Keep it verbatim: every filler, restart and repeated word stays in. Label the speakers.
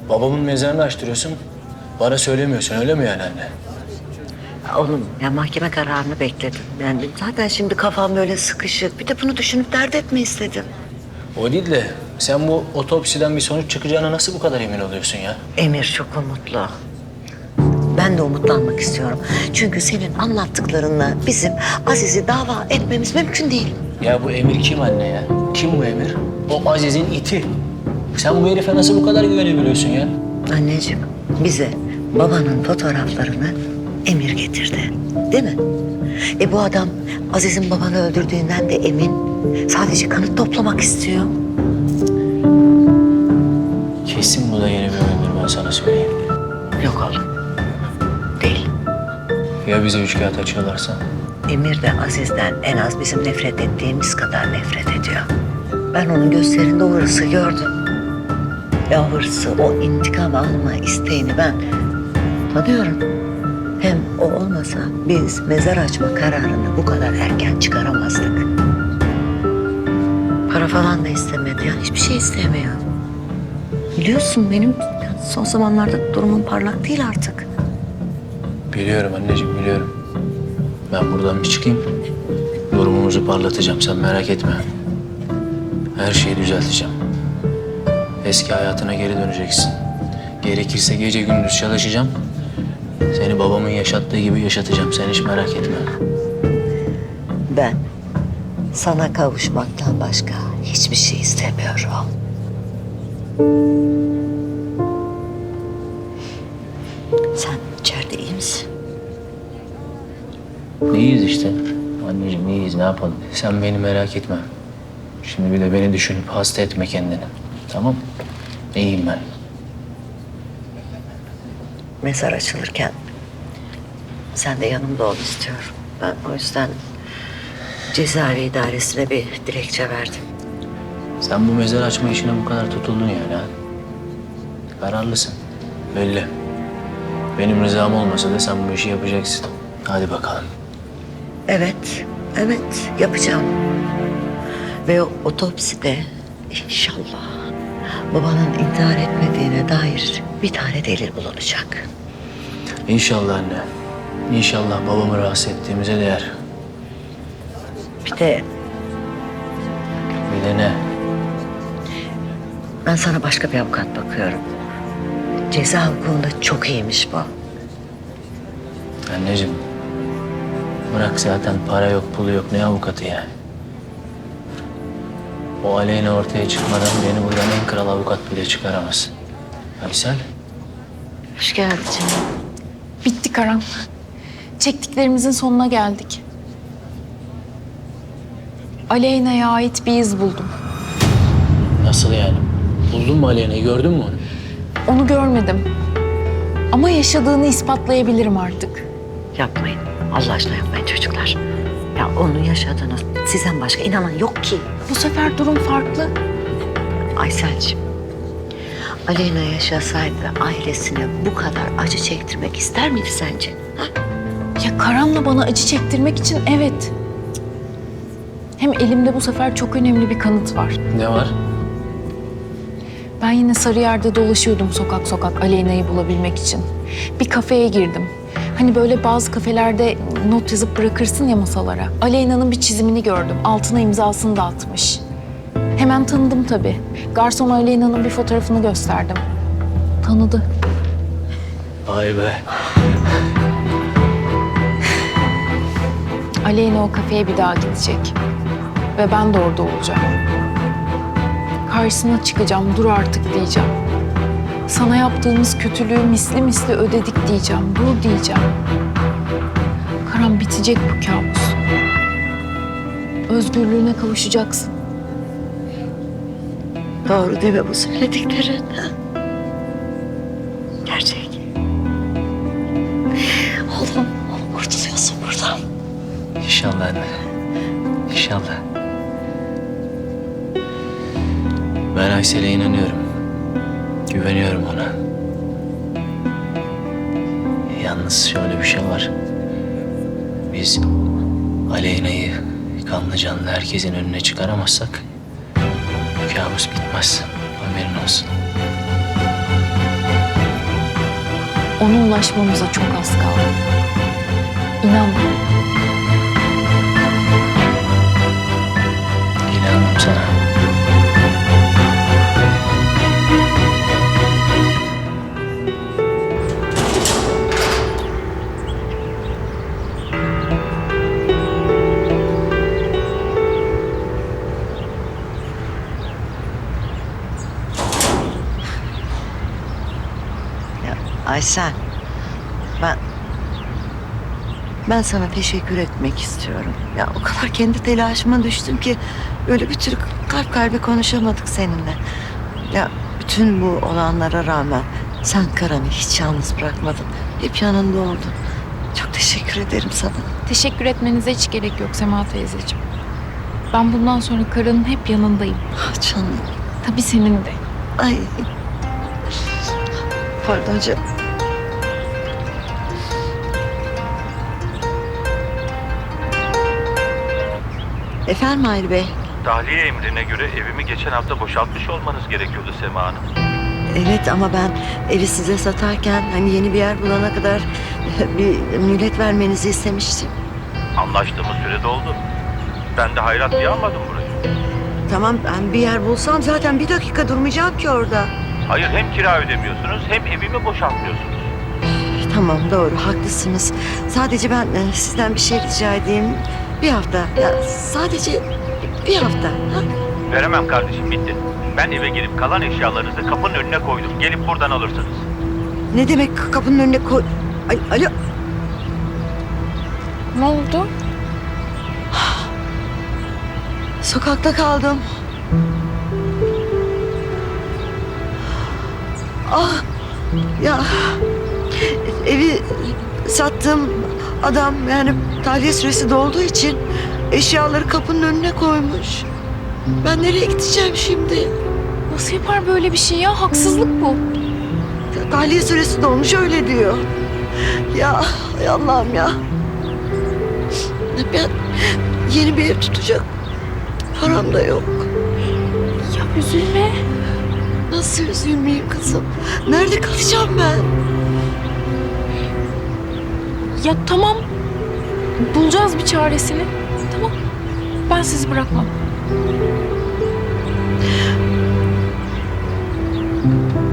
Speaker 1: Babamın mezarını açtırıyorsun. Bana söylemiyorsun öyle mi yani anne?
Speaker 2: Oğlum ya mahkeme kararını bekledim. Yani zaten şimdi kafam böyle sıkışık. Bir de bunu düşünüp dert etme istedim.
Speaker 1: O değil de sen bu otopsiden bir sonuç çıkacağına nasıl bu kadar emin oluyorsun ya?
Speaker 2: Emir çok umutlu. Ben de umutlanmak istiyorum. Çünkü senin anlattıklarınla bizim Aziz'i dava etmemiz mümkün değil.
Speaker 1: Ya bu Emir kim anne ya? Kim bu Emir? O Aziz'in iti. Sen bu herife nasıl bu kadar güvenebiliyorsun ya?
Speaker 2: Anneciğim bize babanın fotoğraflarını Emir getirdi. Değil mi? E bu adam Aziz'in babanı öldürdüğünden de emin. Sadece kanıt toplamak istiyor.
Speaker 1: Kesin bu da yeni bir oyundur ben sana söyleyeyim.
Speaker 2: Yok oğlum. Değil.
Speaker 1: Ya bize üç kağıt açıyorlarsa?
Speaker 2: Emir de Aziz'den en az bizim nefret ettiğimiz kadar nefret ediyor. Ben onun gözlerinde o hırsı gördüm. Ve o hırsı, o intikam alma isteğini ben tanıyorum. Hem o olmasa biz mezar açma kararını bu kadar erken çıkaramazdık. Para falan da istemedi ya, hiçbir şey istemiyor. Biliyorsun benim son zamanlarda durumum parlak değil artık.
Speaker 1: Biliyorum anneciğim biliyorum. Ben buradan bir çıkayım. Durumumuzu parlatacağım sen merak etme. Her şeyi düzelteceğim. Eski hayatına geri döneceksin. Gerekirse gece gündüz çalışacağım. Seni babamın yaşattığı gibi yaşatacağım. Sen hiç merak etme.
Speaker 2: Ben sana kavuşmaktan başka hiçbir şey istemiyorum. Sen içeride iyi misin?
Speaker 1: İyiyiz işte. Anneciğim iyiyiz ne yapalım. Sen beni merak etme. Şimdi bir de beni düşünüp hasta etme kendini. Tamam mı? İyiyim ben.
Speaker 2: Mezar açılırken sen de yanımda ol istiyorum. Ben o yüzden cezaevi idaresine bir dilekçe verdim.
Speaker 1: Sen bu mezar açma işine bu kadar tutuldun yani ha. Kararlısın. Belli. Benim rızam olmasa da sen bu işi yapacaksın. Hadi bakalım.
Speaker 2: Evet, evet yapacağım. Ve o otopside inşallah babanın intihar etmediğine dair bir tane delil bulunacak.
Speaker 1: İnşallah anne. İnşallah babamı rahatsız ettiğimize değer.
Speaker 2: Bir de
Speaker 1: Bir de ne?
Speaker 2: ben sana başka bir avukat bakıyorum. Ceza hukukunda çok iyiymiş bu.
Speaker 1: Anneciğim. Bırak zaten para yok, pulu yok. Ne avukatı yani? O Aleyna ortaya çıkmadan beni buradan en kral avukat bile çıkaramaz. Aysel.
Speaker 2: Hoş geldin canım.
Speaker 3: Bitti Karan. Çektiklerimizin sonuna geldik. Aleyna'ya ait bir iz buldum.
Speaker 1: Nasıl yani? Buldun mu Aleyna'yı? Gördün mü onu?
Speaker 3: Onu görmedim. Ama yaşadığını ispatlayabilirim artık.
Speaker 2: Yapmayın. Allah aşkına yapmayın çocuklar. Ya onu yaşadınız. Sizden başka inanan yok ki.
Speaker 3: Bu sefer durum farklı.
Speaker 2: Aysel'cim. Aleyna yaşasaydı ailesine bu kadar acı çektirmek ister miydi sence? Ha?
Speaker 3: Ya Karan'la bana acı çektirmek için evet. Hem elimde bu sefer çok önemli bir kanıt var.
Speaker 1: Ne var?
Speaker 3: Ben yine Sarıyer'de dolaşıyordum sokak sokak Aleyna'yı bulabilmek için. Bir kafeye girdim. Hani böyle bazı kafelerde not yazıp bırakırsın ya masalara. Aleyna'nın bir çizimini gördüm. Altına imzasını da atmış. Hemen tanıdım tabii. Garson Aleyna'nın bir fotoğrafını gösterdim. Tanıdı.
Speaker 1: Vay be.
Speaker 3: Aleyna o kafeye bir daha gidecek. Ve ben de orada olacağım. Karşısına çıkacağım, dur artık diyeceğim. Sana yaptığımız kötülüğü misli misli ödedik diyeceğim, dur diyeceğim. Karan bitecek bu kabus. Özgürlüğüne kavuşacaksın.
Speaker 2: Doğru değil mi bu söylediklerin? Gerçek. Oğlum, oğlum kurtuluyorsun buradan.
Speaker 1: İnşallah anne. İnşallah. Ben Aysel'e inanıyorum. Güveniyorum ona. Yalnız şöyle bir şey var. Biz Aleyna'yı kanlı canlı herkesin önüne çıkaramazsak bu kabus bitmez. Haberin olsun.
Speaker 3: ona ulaşmamıza çok az kaldı. İnan bana.
Speaker 1: İnandım sana.
Speaker 2: Ya Aysel, ben ben sana teşekkür etmek istiyorum. Ya o kadar kendi telaşıma düştüm ki böyle bir türlü kalp kalbe konuşamadık seninle. Ya bütün bu olanlara rağmen sen Karan'ı hiç yalnız bırakmadın. Hep yanında oldun. Çok teşekkür ederim sana.
Speaker 3: Teşekkür etmenize hiç gerek yok Sema teyzeciğim. Ben bundan sonra Karan'ın hep yanındayım.
Speaker 2: Ah canım.
Speaker 3: Tabii senin de.
Speaker 2: Ay. Pardon canım. Efendim Mahir Bey.
Speaker 4: Tahliye emrine göre evimi geçen hafta boşaltmış olmanız gerekiyordu Sema Hanım.
Speaker 2: Evet ama ben evi size satarken hani yeni bir yer bulana kadar bir mühlet vermenizi istemiştim.
Speaker 4: Anlaştığımız süre doldu. Ben de hayrat diye almadım burayı.
Speaker 2: Tamam ben bir yer bulsam zaten bir dakika durmayacağım ki orada.
Speaker 4: Hayır, hem kira ödemiyorsunuz hem evimi boşaltmıyorsunuz.
Speaker 2: Tamam doğru haklısınız. Sadece ben e, sizden bir şey rica edeyim. Bir hafta ya sadece bir hafta. Ha?
Speaker 4: Veremem kardeşim, bitti. Ben eve gelip kalan eşyalarınızı kapının önüne koydum. Gelip buradan alırsınız.
Speaker 2: Ne demek kapının önüne koy... Ay, alo.
Speaker 3: Ne oldu?
Speaker 2: Sokakta kaldım. Ah ya evi sattığım adam yani tahliye süresi dolduğu için eşyaları kapının önüne koymuş. Ben nereye gideceğim şimdi?
Speaker 3: Nasıl yapar böyle bir şey ya? Haksızlık bu.
Speaker 2: Tahliye süresi dolmuş öyle diyor. Ya ay Allah'ım ya. Ben yeni bir ev tutacak param da yok.
Speaker 3: Ya üzülme.
Speaker 2: Nasıl üzülmeyeyim kızım? Nerede kalacağım ben?
Speaker 3: Ya tamam. Bulacağız bir çaresini. Tamam. Ben sizi bırakmam.